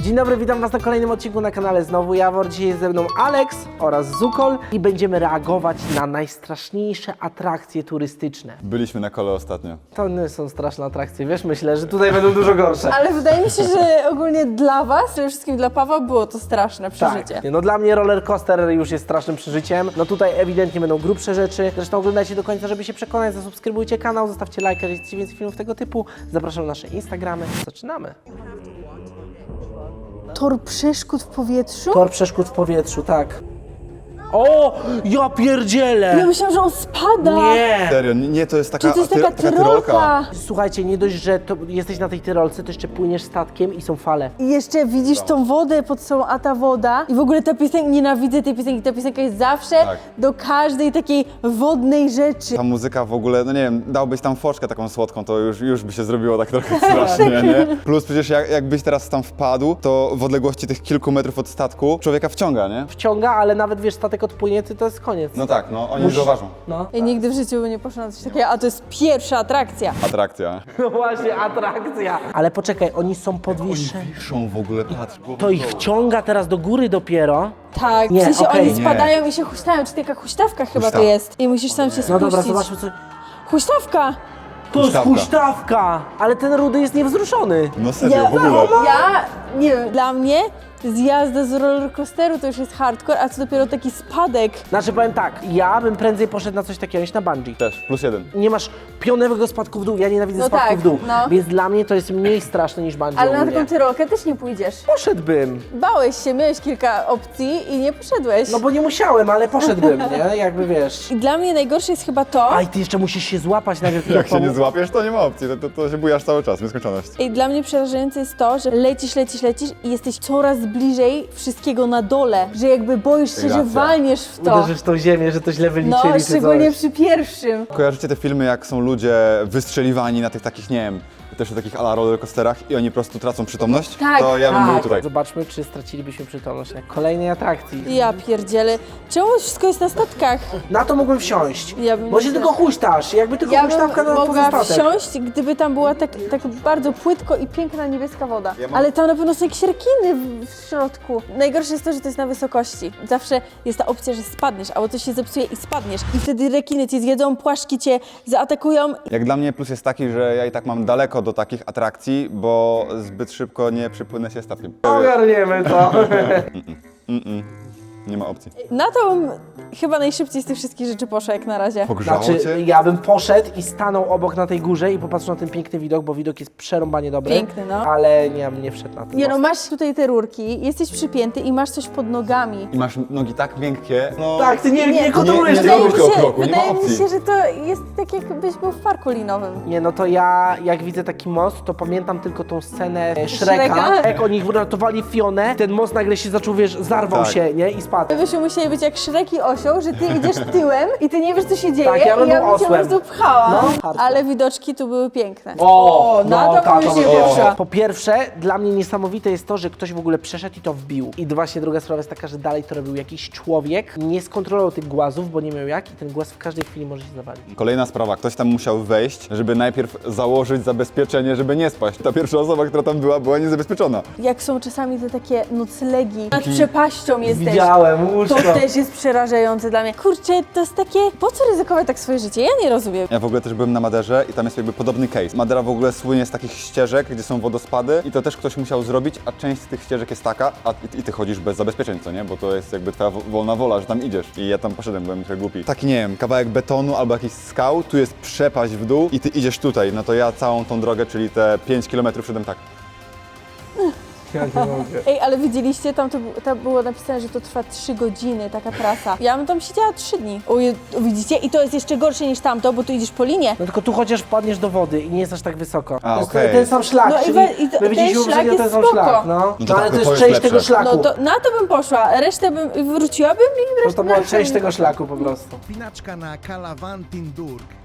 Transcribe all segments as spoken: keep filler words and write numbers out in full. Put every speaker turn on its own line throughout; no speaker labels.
Dzień dobry, witam was na kolejnym odcinku na kanale Znowu Jawor. Dzisiaj jest ze mną Alex oraz Zukol i będziemy reagować na najstraszniejsze atrakcje turystyczne.
Byliśmy na kole ostatnio.
To nie są straszne atrakcje, wiesz, myślę, że tutaj będą dużo gorsze.
Ale wydaje mi się, że ogólnie dla was, przede wszystkim dla Pawła, było to straszne przeżycie.
Tak. No dla mnie roller coaster już jest strasznym przeżyciem. No tutaj ewidentnie będą grubsze rzeczy. Zresztą oglądajcie do końca, żeby się przekonać. Zasubskrybujcie kanał, zostawcie lajka, jeżeli chcecie więcej filmów tego typu. Zapraszam na nasze Instagramy. Zaczynamy.
Tor przeszkód w powietrzu?
Tor przeszkód w powietrzu, tak. O! Ja pierdzielę!
Ja myślałam, że on spada.
Nie!
Serio, nie, to jest taka,
Czy to jest
ty-
taka tyrolka?
Słuchajcie, nie dość, że to jesteś na tej tyrolce, to jeszcze płyniesz statkiem i są fale.
I jeszcze widzisz tą wodę pod sobą, a ta woda. I w ogóle ta piosenka, nienawidzę tej piosenki, ta piosenka jest zawsze
Tak.
do każdej takiej wodnej rzeczy.
Ta muzyka w ogóle, no nie wiem, dałbyś tam foczkę taką słodką, to już, już by się zrobiło tak trochę strasznie, nie? Plus przecież jak, jakbyś teraz tam wpadł, to w odległości tych kilku metrów od statku człowieka wciąga, nie?
Wciąga, ale nawet wiesz, statek odpłynie, to, to jest koniec.
No tak, no oni już zauważą.
No.
Ja nigdy w życiu bym nie poszła na coś takiego, a to jest pierwsza atrakcja.
Atrakcja.
No właśnie, atrakcja. Ale poczekaj, oni są podwieszeni.
Wiszą w ogóle, patrz.
To ich wciąga teraz do góry dopiero.
Tak,
Nie,
w sensie
okej.
oni spadają i się huśtają, czy taka huśtawka chyba to
Huśtawka.
jest. I musisz sam się spuścić.
No dobra, zobaczmy co...
Huśtawka!
To jest
Huśtawka.
huśtawka! Ale ten rudy jest niewzruszony.
No serio,
Ja,
w ogóle.
ja, nie wiem, dla mnie zjazda z rollercoasteru to już jest hardcore, a co dopiero taki spadek.
Znaczy powiem tak, ja bym prędzej poszedł na coś takiego niż na bungee.
Też, plus jeden.
Nie masz pionowego spadku w dół, ja nienawidzę
No
spadku
tak,
w dół,
no.
więc dla mnie to jest mniej straszne niż bungee
Ale na
ogólnie.
taką tyrolkę też nie pójdziesz.
Poszedłbym,
Bałeś się, miałeś kilka opcji i nie poszedłeś.
no bo nie musiałem, ale poszedłbym, nie? Jakby wiesz.
I dla mnie najgorsze jest chyba to,
A i ty jeszcze musisz się złapać najpierw.
Jak się nie złapiesz, to nie ma opcji, to, to, to się bujasz cały czas, nieskończoność.
i dla mnie przerażające jest to, że lecisz, lecisz, lecisz i jesteś coraz bliżej wszystkiego na dole, że jakby boisz się, że
Racja.
walniesz w to.
Uderzysz w tą ziemię, że to źle wyliczyli
No,
czy
szczególnie
coś.
przy pierwszym.
Kojarzycie te filmy, jak są ludzie wystrzeliwani na tych takich, nie wiem, też na takich ala rollercoasterach i oni po prostu tracą przytomność?
Tak,
To ja bym
tak.
był tutaj.
Zobaczmy, czy stracilibyśmy przytomność na kolejnej atrakcji.
Ja pierdzielę. Czemu wszystko jest na statkach?
Na to mógłbym wsiąść,
Ja bym
bo się
nie
tylko huśtasz, jakby tylko
Ja
huśtawka
bym
na
mogła
pozostatek.
wsiąść, gdyby tam była tak, tak bardzo płytko i piękna niebieska woda.
Ja mam-
Ale tam na pewno są jakieś rekiny w, w środku. Najgorsze jest to, że to jest na wysokości. Zawsze jest ta opcja, że spadniesz, albo coś się zepsuje i spadniesz. I wtedy rekiny cię zjedzą, płaszki cię zaatakują.
Jak dla mnie plus jest taki, że ja i tak mam daleko do takich atrakcji, bo zbyt szybko nie przypłynę się statkiem.
Ogarniemy to.
Nie ma opcji.
Na to bym chyba najszybciej z tych wszystkich rzeczy poszła jak na razie.
Pogrzało
Znaczy,
cię?
ja bym poszedł i stanął obok na tej górze i popatrzył na ten piękny widok, bo widok jest przerąbanie dobry.
Piękny, no.
Ale nie, nie wszedł na ten
Nie no,
most.
masz tutaj te rurki, jesteś przypięty i masz coś pod nogami.
I masz nogi tak miękkie, no...
Tak, ty nie, nie,
Nie,
kontrolujesz
nie,
tego.
nie,
Wydaje mi
kroku,
się,
kroku, nie ma
wydaje mi
opcji.
się, że to jest tak jakbyś był w parku linowym.
Nie, no to ja, jak widzę taki most, to pamiętam tylko tą scenę e, Shreka,
Shreka?
jak oni ratowali Fionę, ten most nagle się zaczął, wiesz, zarwał
Tak.
się, nie, i spadł.
My byśmy musieli być jak Shrek i osioł, że ty idziesz tyłem i ty nie wiesz, co się dzieje
Tak, ja bym
i ja
był
bym cię po
osłem.
prostu pchała.
No, hardcore.
Ale widoczki tu były piękne.
O,
na
no,
to
tak,
bym
to
się
było.
pierwsza.
Po pierwsze, dla mnie niesamowite jest to, że ktoś w ogóle przeszedł i to wbił. I właśnie druga sprawa jest taka, że dalej to robił jakiś człowiek, nie skontrolował tych głazów, bo nie miał jak i ten głaz w każdej chwili może się zawalić.
Kolejna sprawa, ktoś tam musiał wejść, żeby najpierw założyć zabezpieczenie, żeby nie spaść. Ta pierwsza osoba, która tam była, była niezabezpieczona.
Jak są czasami te takie noclegi, nad przepaścią jesteś.
Widziałem,
To
łóżko.
też jest przerażające dla mnie. Kurczę, to jest takie, po co ryzykować tak swoje życie? Ja nie rozumiem.
Ja w ogóle też byłem na Maderze i tam jest jakby podobny case. Madera w ogóle słynie z takich ścieżek, gdzie są wodospady i to też ktoś musiał zrobić, a część z tych ścieżek jest taka, a i, i ty chodzisz bez zabezpieczeń, co nie? Bo to jest jakby twoja wo- wolna wola, że tam idziesz. I ja tam poszedłem, byłem trochę głupi. Taki, nie wiem, kawałek betonu albo jakiś skał, tu jest przepaść w dół i ty idziesz tutaj. No to ja całą tą drogę, czyli te pięć kilometrów szedłem tak.
Ja nie mogę.
Ej, ale widzieliście, tam, to, bu- tam było napisane, że to trwa trzy godziny, taka trasa. Ja bym tam siedziała trzy dni. Uje, widzicie? I to jest jeszcze gorsze niż tamto, bo tu idziesz po linie.
No tylko tu chociaż wpadniesz do wody i nie jest aż tak wysoko.
A,
to jest
okej.
ten sam szlak,
No i
czyli
we- i to-
my widzieliśmy
ten szlak
poprzednio ten
jest
sam
spoko.
szlak, no.
No
No,
to
ale
tak,
to jest
to jest
część
lepsze.
tego szlaku.
No to na to bym poszła, resztę bym wróciłabym i
To,
resztę
to była
resztę
część
bym
tego
nie
szlaku po prostu.
Pinaczka na Kalawantin Durg.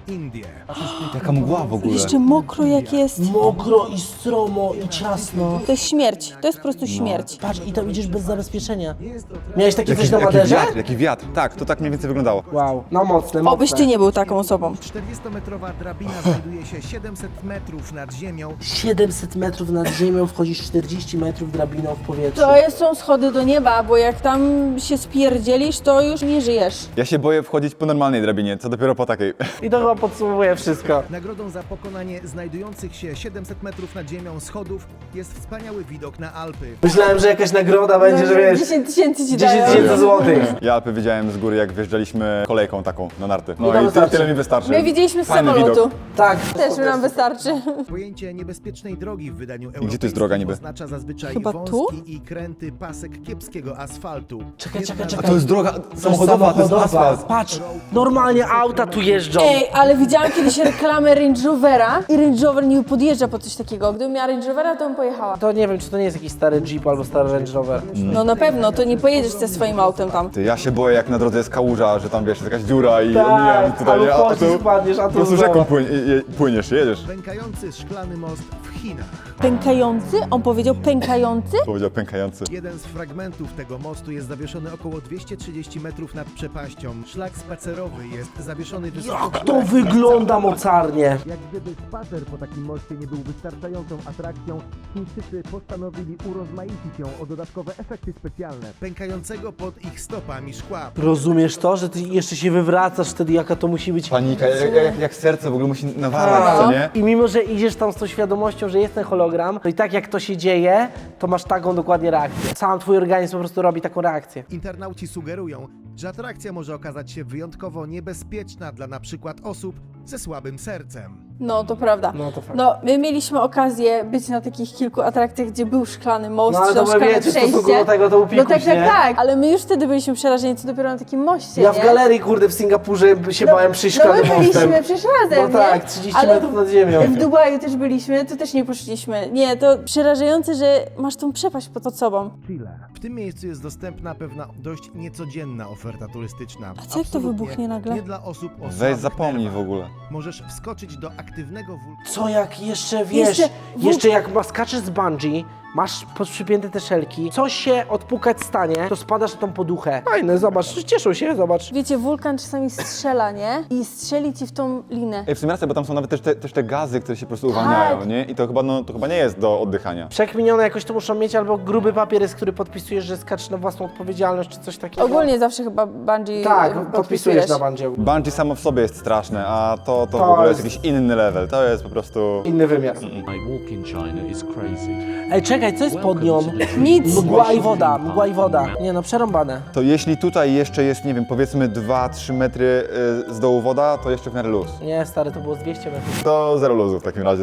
Indie.
Jaka mgła w ogóle.
Jeszcze mokro jak jest.
Mokro i stromo i ciasno.
To jest śmierć, to jest po prostu śmierć.
Patrz, i tam idziesz bez zabezpieczenia. Miałeś takie
Jaki,
coś na
jaki
Maderze?
wiatr, jaki wiatr. Tak, to tak mniej więcej wyglądało.
Wow, no mocne, mocne.
Obyś ty nie był taką osobą.
czterdziestometrowa drabina znajduje się siedemset metrów nad ziemią.
siedemset metrów nad ziemią, wchodzisz czterdzieści metrów drabiną w powietrzu.
To jest, są schody do nieba, bo jak tam się spierdzielisz, to już nie żyjesz.
Ja się boję wchodzić po normalnej drabinie, co dopiero po takiej.
I to chyba podsumowuje wszystko.
Nagrodą za pokonanie znajdujących się siedemset metrów nad ziemią schodów jest wspaniały widok na Alpy.
Myślałem, że jakaś nagroda będzie, że wiesz,
dziesięć tysięcy ci
dziesięć
dają.
tysięcy złotych.
Ja Alpy widziałem z góry, jak wjeżdżaliśmy kolejką taką na narty. No
I to
i
wystarczy.
tyle mi wystarczy.
My widzieliśmy z
Fajny
samolotu.
widok.
Tak.
Też nam wystarczy.
Pojęcie niebezpiecznej drogi w wydaniu
gdzie
europejskim
to jest droga niby?
oznacza zazwyczaj
Chyba
wąski
tu?
i kręty pasek kiepskiego asfaltu.
Czekaj, czekaj,
Jedna-
czekaj.
A to jest droga samochodowa, to jest asfalt.
Patrz, normalnie auta tu jeżdżą.
Ej, ale widziałam kiedyś reklamę Range Rovera i Range Rover nie podjeżdża po coś takiego. Gdybym miała Range Rovera, to bym pojechała.
To nie wiem, czy to nie jest jakiś stary Jeep albo stary Range Rover.
No na pewno, to nie pojedziesz ze swoim autem tam.
Ty, ja się boję, jak na drodze jest kałuża, że tam wiesz, jest jakaś dziura i omijam tutaj,
albo
nie? A tu
pocisk spadniesz, a
po
tu
prostu
znowu.
rzeką płyń, i- i- płyniesz, jedziesz.
Pękający szklany most w Chinach.
Pękający? On powiedział pękający?
Powiedział pękający.
Jeden z fragmentów tego mostu jest zawieszony około dwieście trzydzieści metrów nad przepaścią. Szlak spacerowy jest zawieszony wysoko.
Jak to wygląda mocarnie.
Jak gdyby spacer po takim moście nie był wystarczającą atrakcją, Chińczycy postanowili urozmaicić ją o dodatkowe efekty specjalne, pękającego pod ich stopami szkła.
Rozumiesz to, że ty jeszcze się wywracasz wtedy, jaka to musi być
Panika, jak, jak, jak serce w ogóle musi nawalać, co nie?
I mimo, że idziesz tam z tą świadomością, że jest ten hologram, to i tak jak to się dzieje, to masz taką dokładnie reakcję. Sam twój organizm po prostu robi taką reakcję.
Internauci sugerują, że atrakcja może okazać się wyjątkowo niebezpieczna dla na przykład osób ze słabym sercem.
No to prawda.
No to fakt.
No, my mieliśmy okazję być na takich kilku atrakcjach, gdzie był szklany most,
No ale
czy
to
tam
wy
szklane
wiecie, w stosunku
przejście.
do tego to
No
upikuś,
tak, tak,
nie?
tak. Ale my już wtedy byliśmy przerażeni, co dopiero na takim moście,
Ja w
nie?
galerii, kurde, w Singapurze się
No,
bałem przyjść
no my
szklanym mostem.
byliśmy przecież razem,
No tak,
nie?
trzydzieści
Ale
metrów nad ziemią.
W Dubaju też byliśmy, to też nie poszliśmy. Nie, to przerażające, że masz tą przepaść pod sobą.
Chile. W tym miejscu jest dostępna pewna dość niecodzienna oferta turystyczna.
A co jak to
Absolutnie
wybuchnie nagle?
Nie dla osób o
Weź
słabych
zapomnij
nerwach.
w ogóle.
Możesz wskoczyć do aktywnego wulkanu.
Co jak jeszcze, wiesz,
Jeszcze
jeszcze,
w-
jak ma- skaczesz z bungee, masz podprzypięte te szelki, coś się odpukać stanie, to spadasz na tą poduchę. Fajne, zobacz, cieszą się, zobacz.
Wiecie, wulkan czasami strzela, nie? I strzeli ci w tą linę.
Ej, w sumie racja, bo tam są nawet też te, też te gazy, które się po prostu uwalniają,
Tak.
nie? I to chyba, no, to chyba nie jest do oddychania.
Przekminione jakoś to muszą mieć, albo gruby papier jest, który podpisujesz, że skaczesz na własną odpowiedzialność, czy coś takiego.
Ogólnie zawsze chyba bungee
Tak,
podpisujesz.
podpisujesz na bungee.
Bungee samo w sobie jest straszne, a to, to,
To
w ogóle jest
jest-
jakiś inny level. To jest po prostu...
Inny wymiar.
My walk in China is crazy.
Ej, czekaj, co jest pod nią?
Nic.
Mgła i woda, mgła i woda. Nie no, przerąbane.
To jeśli tutaj jeszcze jest, nie wiem, powiedzmy dwa trzy metry y, z dołu woda, to jeszcze w miarę luz.
Nie, stary, to było z dwieście metrów.
To zero luzu w takim razie.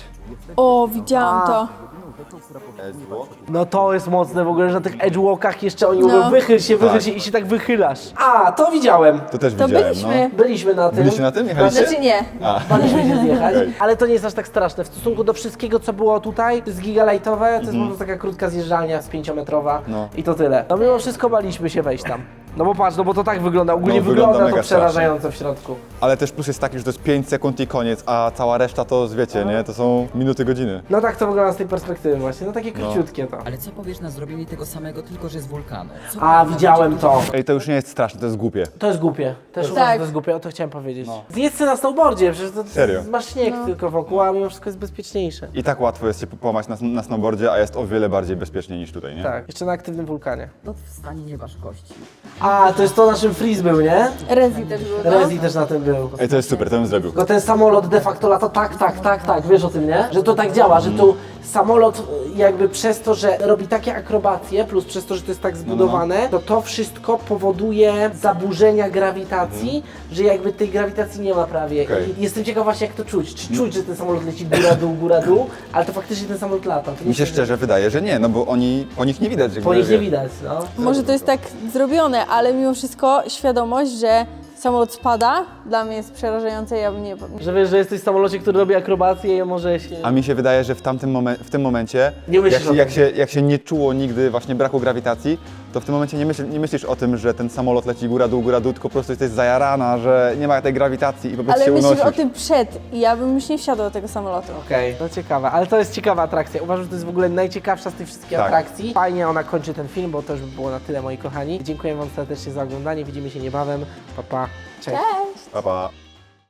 O, widziałam
A.
to.
No to jest mocne w ogóle, że na tych edgewalkach jeszcze oni
No.
mówią wychyl się, wychyl się i się tak wychylasz. A, to widziałem.
To też
To
widziałem,
byliśmy.
Byliśmy na tym.
Byliście na tym? Jechaliście?
Znaczy nie.
Baliśmy się zjechać,
Okej.
ale to nie jest aż tak straszne. W stosunku do wszystkiego, co było tutaj, to jest gigalajtowe, to jest po prostu taka krótka zjeżdżalnia z pięciometrowa
No.
i to tyle. No mimo wszystko baliśmy się wejść tam. No bo patrz, no bo to tak wygląda, ogólnie
No, wygląda
wygląda, to
mega
przerażająco w środku.
Ale też plus jest taki, że to jest pięć sekund i koniec, a cała reszta to, wiecie, nie? To są minuty, godziny.
No tak to wygląda z tej perspektywy właśnie, no takie króciutkie to.
Ale co powiesz na zrobienie tego samego, tylko że z wulkanu? Co
A,
powiesz na
widziałem
bycie
to.
Ej, to już nie jest straszne, to jest głupie.
To jest głupie. Też uważam,
Tak.
że to jest głupie, o to chciałem powiedzieć. Zjedź sobie na snowboardzie, przecież to
Serio?
masz śnieg tylko wokół, a mimo wszystko jest bezpieczniejsze.
I tak łatwo jest się połamać na, na snowboardzie, a jest o wiele bardziej bezpiecznie niż tutaj, nie?
Tak, jeszcze na aktywnym wulkanie.
To w stanie nie masz kości.
A, to jest to naszym freeze był, nie?
Rezi też było, no.
Rezi też na tym był.
Ej, to jest super, to bym zrobił.
Tylko ten samolot de facto lata tak, tak, tak, tak, wiesz o tym, nie? Że to tak działa, że tu samolot y, jakby przez to, że robi takie akrobacje, plus przez to, że to jest tak zbudowane, to to wszystko powoduje zaburzenia grawitacji, że jakby tej grawitacji nie ma prawie.
Okej.
I jestem ciekaw właśnie jak to czuć. Czy czuć, że ten samolot leci góra, dół, góra, dół, ale to faktycznie ten samolot lata. To nie
Mi się
jest-
szczerze wydaje, że nie, no bo oni, po nich nie widać. jakby,
Po nich nie
wie-
widać, no.
Może to jest tak zrobione, ale mimo wszystko świadomość, że samolot spada, dla mnie jest przerażające, ja bym nie...
Że wiesz, że jesteś w samolocie, który robi akrobację i może się...
A mi się wydaje, że w tamtym momen- w tym momencie,
Nie myślisz
jak,
o
się, jak,
tym.
się, jak się nie czuło nigdy właśnie braku grawitacji, to to w tym momencie nie, myśl, nie myślisz o tym, że ten samolot leci góra, dół, góra, dół, tylko po prostu jesteś zajarana, że nie ma tej grawitacji i po prostu
Ale
się
myślisz
unosisz.
o tym przed i ja bym już nie wsiadła do tego samolotu.
Okej, no ciekawe, ale to jest ciekawa atrakcja. Uważam, że to jest w ogóle najciekawsza z tych wszystkich
Tak.
atrakcji. Fajnie ona kończy ten film, bo to już by było na tyle, moi kochani. Dziękuję wam serdecznie za oglądanie, widzimy się niebawem. Pa, pa. Cześć.
Cześć!
Pa, pa.